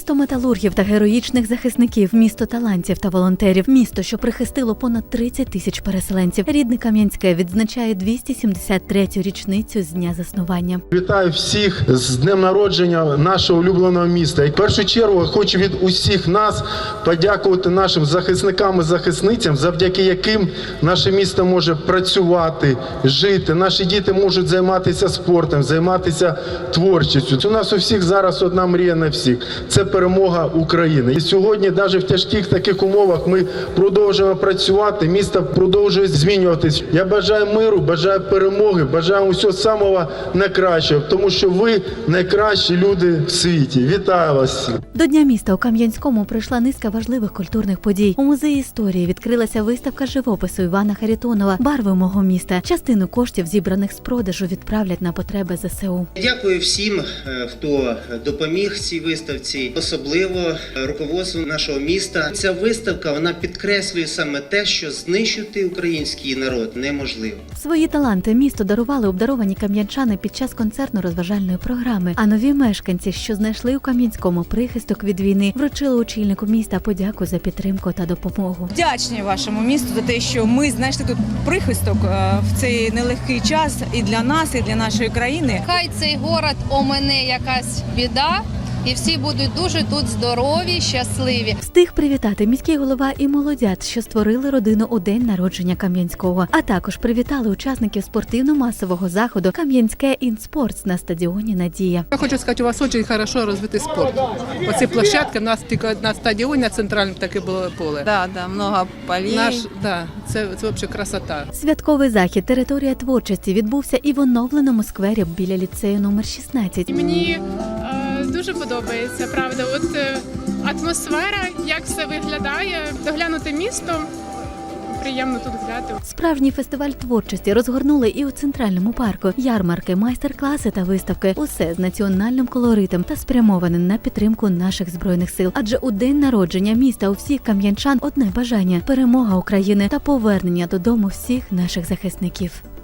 Місто металургів та героїчних захисників, місто талантів та волонтерів, місто, що прихистило понад 30 тисяч переселенців. Рідне Кам'янське відзначає 273-ю річницю з дня заснування. Вітаю всіх з днем народження нашого улюбленого міста. І в першу чергу хочу від усіх нас подякувати нашим захисникам і захисницям, завдяки яким наше місто може працювати, жити. Наші діти можуть займатися спортом, займатися творчістю. У нас у всіх зараз одна мрія на всіх – це перемога України. І сьогодні, навіть в тяжких таких умовах, ми продовжуємо працювати, місто продовжує змінюватись. Я бажаю миру, бажаю перемоги, бажаю усього самого найкращого, тому що ви найкращі люди в світі. Вітаю вас всіх! До Дня міста у Кам'янському пройшла низка важливих культурних подій. У музеї історії відкрилася виставка живопису Івана Харитонова «Барви мого міста». Частину коштів, зібраних з продажу, відправлять на потреби ЗСУ. Дякую всім, хто допоміг цій виставці, особливо руководству нашого міста. Ця виставка, вона підкреслює саме те, що знищити український народ неможливо. Свої таланти місто дарували обдаровані кам'янчани під час концертно-розважальної програми. А нові мешканці, що знайшли у Кам'янському прихисток від війни, вручили очільнику міста подяку за підтримку та допомогу. Вдячні вашому місту за те, що ми знайшли тут прихисток в цей нелегкий час і для нас, і для нашої країни. Хай цей город омине якась біда, і всі будуть дуже тут здорові, щасливі. Встиг привітати міський голова і молодят, що створили родину у день народження Кам'янського. А також привітали учасників спортивно-масового заходу «Кам'янське інспортс» на стадіоні «Надія». Я хочу сказати, у вас дуже хорошо розвитий спорт. Оці площадки, у нас тільки на стадіоні, на центральному таке було поле. Да, много полей. Це взагалі красота. Святковий захід «Територія творчості» відбувся і в оновленому сквері біля ліцею номер 16. Мені дуже подобається, правда. От атмосфера, як все виглядає, доглянути місто, приємно тут гуляти. Справжній фестиваль творчості розгорнули і у центральному парку. Ярмарки, майстер-класи та виставки – усе з національним колоритом та спрямоване на підтримку наших Збройних сил. Адже у день народження міста у всіх кам'янчан одне бажання – перемога України та повернення додому всіх наших захисників.